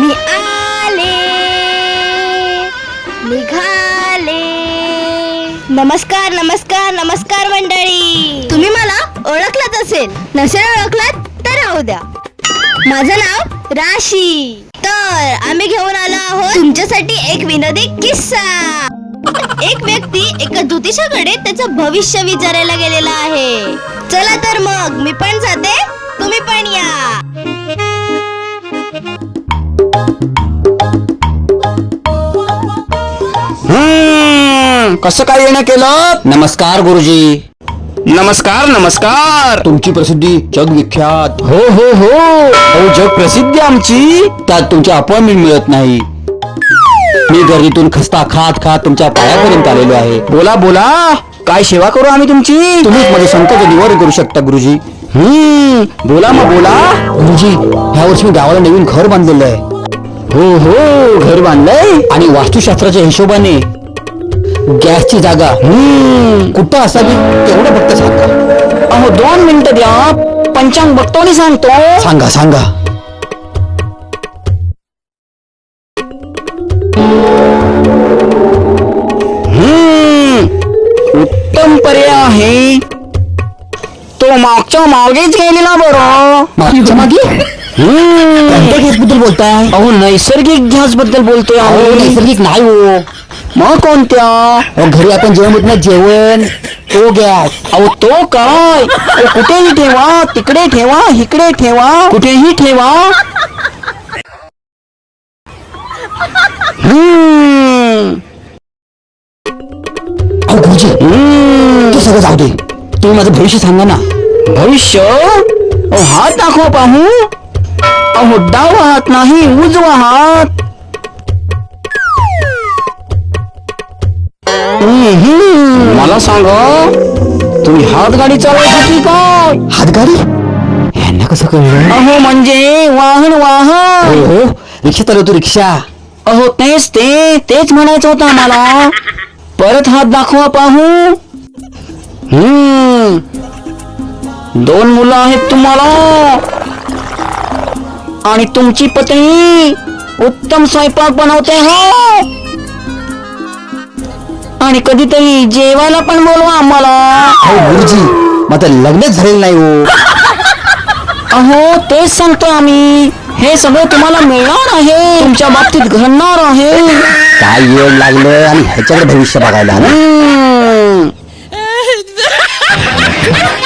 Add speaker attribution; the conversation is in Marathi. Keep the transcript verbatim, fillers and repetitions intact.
Speaker 1: मी आले निघाले. नमस्कार नमस्कार नमस्कार मंडळी. तुम्ही मला ओळखलात असेल, नसेल ओळखलात तर राहू द्या. माझं नाव राशी. तर आम्ही घेऊन आलो आहोत तुमच्यासाठी एक विनोदी किस्सा. एक व्यक्ती एका ज्योतिषाकडे त्याचं भविष्य विचारायला गेलेला आहे. चला तर मग मी पण जाते, तुम्ही पण या.
Speaker 2: हम्म कसं काय येणं केलं?
Speaker 3: नमस्कार गुरुजी.
Speaker 2: नमस्कार नमस्कार.
Speaker 3: तुमची प्रसिद्धी जगविख्यात.
Speaker 2: हो हो हो अहो जग प्रसिद्धी आमची.
Speaker 3: त्यात तुमची अपॉइंटमेंट मिळत नाही. मी गर्दीतून खस्ता खात खात तुमच्या पायापर्यंत आलेलो आहे.
Speaker 2: बोला बोला, काय सेवा करू आम्ही तुमची?
Speaker 3: तुम्हीच माझे संकट निवारण करू शकता गुरुजी.
Speaker 2: हम्म बोला मग बोला.
Speaker 3: गुरुजी, ह्या वर्षी मी गावाला नवीन घर बांधलेलं आहे.
Speaker 2: हो हो घर बांधलंय.
Speaker 3: आणि वास्तुशास्त्राच्या हिशोबाने गॅसची जागा
Speaker 2: हम्म
Speaker 3: कुठं असावी तेवढं फक्त सांगा.
Speaker 2: अहो दोन मिनिटं द्या, पंचांग बघतो आणि सांगतो.
Speaker 3: सांगा सांगा.
Speaker 2: हम्म उत्तम पर्याय आहे तो मागच्या मागेच गेलेला बरं.
Speaker 3: मागच्या मागे
Speaker 2: हम्म
Speaker 3: कोणत्या गॅस बद्दल बोलताय?
Speaker 2: अहो नैसर्गिक गॅस बद्दल बोलतोय
Speaker 3: अहो,
Speaker 2: आम्ही.
Speaker 3: नैसर्गिक नाही हो.
Speaker 2: मग कोणत्या?
Speaker 3: अहो, घरी आपण जेवण होत नाही, जेवण तो गॅस.
Speaker 2: अहो तो काय? अहो, कुठेही ठेवा, तिकडे ठेवा, इकडे ठेवा, कुठेही ठेवा. हम्म
Speaker 3: अहो गुरुजी,
Speaker 2: हम्म
Speaker 3: ते सगळं जाऊ दे. तुम्ही माझं भविष्य सांगा ना.
Speaker 2: भविष्य? अहो हात दाखवा पाहू. अहो डावा हात नाही, उजवा हात. हम्म, मला सांगा, तुम्ही हात गाडी चालवायची काय?
Speaker 3: हातगाडी ह्यांना कसं कळलं?
Speaker 2: अहो म्हणजे वाहन वाहन.
Speaker 3: हो हो, रिक्षा चालवतो रिक्षा.
Speaker 2: अहो तेच ते तेच म्हणायचं होतं आम्हाला. परत हात दाखवा पाहू. हम्म दोन मुलं आहेत तुम्हाला, आणि तुमची पत्नी उत्तम स्वयंपाक बनवते हो. आणि कधीतरी जेवायला पण बोलवा आम्हाला.
Speaker 3: अहो गुरुजी, माझं लग्नच झालेलं नाही हो.
Speaker 2: अहो तेच सांगतो आम्ही, हे सगळं तुम्हाला मिळणार आहे, तुमच्या बाबतीत घडणार आहे.
Speaker 3: काय येड लागलं आणि ह्याच्याकडे भविष्य बघायला ना.
Speaker 2: हम्म